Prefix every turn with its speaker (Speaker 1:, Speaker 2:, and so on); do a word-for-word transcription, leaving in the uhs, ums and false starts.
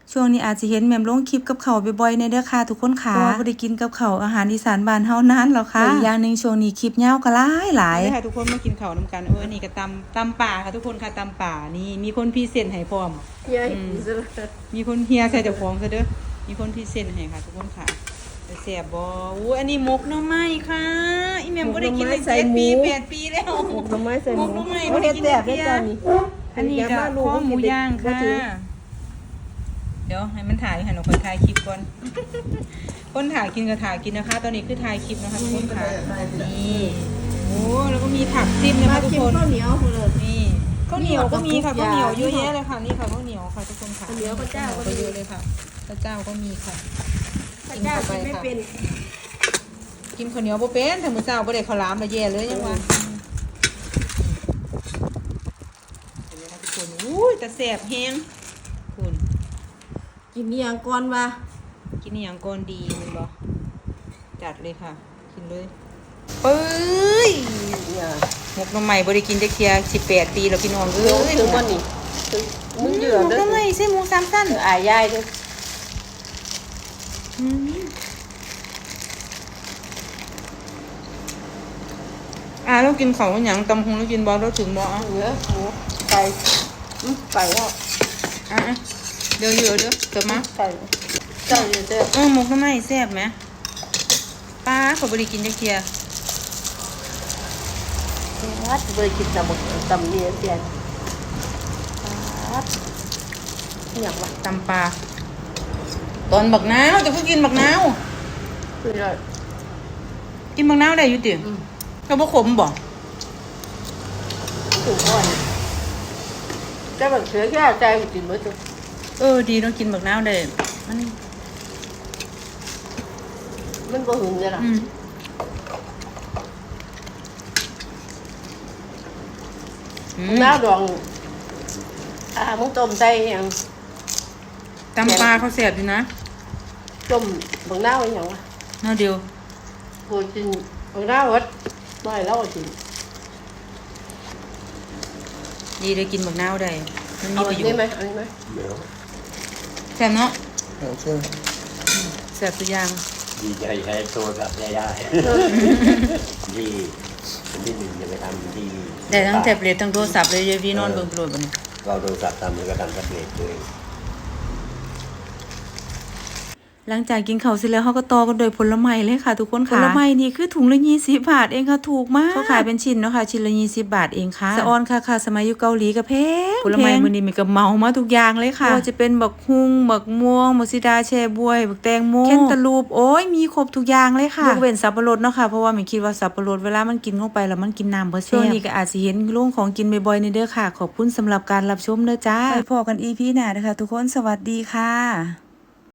Speaker 1: ช่วงนี้อาจจะเห็นแม่มลงคลิปกับเขาบ่อยๆในเด้อค่ะทุกคนค่ะเพราะว่าบ่ได้กินกับเขาอาหารอีสานบ้านเฮานานแล้วค่ะอีกอย่างนึงช่วงนี้คลิปยาวก็หลายหลายค่ะทุกคนมากินข้าวนํกันเออนี่ก็ตำตำป่าค่ะทุกคนค่ะตำป่านี่มีคนพรีเซนต์ให้พร้อมเฮียมีคนเฮียใส่เจ้าของซะเด้อมีคนพรีเซนต์ให้ค่ะทุกคนค่ะแซ่บบ่อู้อันนี้หมกหน่อไม้ค่ะอีแม่บ่ได้กินเลยเจ็ดปีแปดปีแล้วหมกหน่อไม้ใส่หมูหมกหน่อไม้บ่ได้กินเลยอันนี้ก็ข้อหมูย่างค่ะเดี๋ยวให้มันถ่ายให้หนูคนถ่ายคลิปก่อนคนถ่ายกินก็ถ่ายกินนะคะตอนนี้คือถ่ายคลิปนะคะทุกคนค่ะนี่โอ้แล้วก็มีผักจิ้มนะคะทุกคนข้าวเหนียวเลยนี่ข้าวเหนียวก็มีค่ะข้าวเหนียวเยอะแยะเลยค่ะนี่ค่ะข้าวเหนียวค่ะทุกคนค่ะข้าวเหนียวข้าวเจ้าก็เยอะเลยค่ะข้าวเจ้าก็มีค่ะกินเข้าไปค่ะกินข้าวเหนียวโบเป็นแต่มื้อเช้าบ่ได้ข้าวหลามเลยแย่เลยยังวะเห็นไหมคะทุกคนอุ้ยแต่แสบแห้งคุณ
Speaker 2: กินนี่ยังก่อนวะ
Speaker 1: กินนี่ยังก่อนดีมันบ่จัดเลยค่ะกินเลยเอ้ยหมกหน่อไม้บ่ได้กินจักเที่ยสิบแปดปีแล้วพี่น้องเอ้ย
Speaker 2: ถึงวันนี้มึงเดือดเด้อ
Speaker 1: หมกหน่อไม้ใส่หมูสามชั้น
Speaker 2: อายยายเด้อ
Speaker 1: อ่าเรากินของอย่างตำหงเรากินบอลเราถึงบอล
Speaker 2: เนื้อหมูไก่ไก่แล้ว
Speaker 1: อ่ะเดี๋ยวเยอะเด้อเติมมา
Speaker 2: ไก่ไก่เด้อ
Speaker 1: เออหมกทำไมแซ่บไหมป้าเขาบริกินจักเทีย
Speaker 2: วัดบริกินตำหมกตำเนื้อเสียนวัดอย่างวะ
Speaker 1: ตำปลาตอนบักน้าวจะเพิ่งกินบักน้าวกินบักน้าวได้อยู่ติเราบ่ขมบ่
Speaker 2: ถูกอ่อนแต่แบบเสือแค่ใจกินไม่ถูก
Speaker 1: เออดีต้องกินบักน้าวได้มัน
Speaker 2: มันบ่หึงเลยล่ะน้าดองอ่ามึงต้มใจยัง
Speaker 1: ตำปลาเขาแซ่บอยู่นะ
Speaker 2: ต้มบักน้าวอย่างวะ
Speaker 1: น้าวเดียว
Speaker 2: กูกินบักน้าววัดไม่แล้วกิน
Speaker 1: ดีได้กินบักน้าวได้มันมีประโยชน์
Speaker 2: ได้ไหมอันนี้ไหม
Speaker 1: แซ่บเนาะแซ่บตัวอย่าง
Speaker 3: ดีใจใช้โทรศัพท์ได้ได้ที่ที่หนึ่งจะไปทำที่
Speaker 1: ได้ทั้งแท็บเล็ตทั้งโทรศัพท์เลยพี่นอนเบิ่งโปรดบ่นี่
Speaker 3: ก็โทรศัพท์ทำมันก็ทำแท็บเล็ตเลย
Speaker 1: หลังจากกินข้าวเสร็จแล้วเขาก็ต่อกันโดยผลไม้เลยค่ะทุกคนค่ะผลไม้นี่คือถุงละยี่สิบบาทเองค่ะถูกมากเขาขายเป็นชิ้นเนาะค่ะชิ้นละยี่สิบบาทเองค่ะสะออนค่ะค่ะสมัยอยู่เกาหลีก็แพงผลไม้มื้อนี้มันก็เมามาทุกอย่างเลยค่ะว่าจะเป็นบักฮุ่งบักม่วงมะซิดาแช่บวยบักแตงโมแคนตาลูปโอ้ยมีครบทุกอย่างเลยค่ะยกเว้นสับปะรดเนาะค่ะเพราะว่ามันคิดว่าสับปะรดเวลามันกินเข้าไปแล้วมันกินน้ำบ่แซ่บช่วงนี้ก็อาจสิเห็นโรงของกินบ่อยๆในเด้อค่ะขอบคุณสำหรับการรับชมเด้อจ้าไปพบกัน อี พี หน้าเด้อค่ะทุกคนสวัสดีค่ะ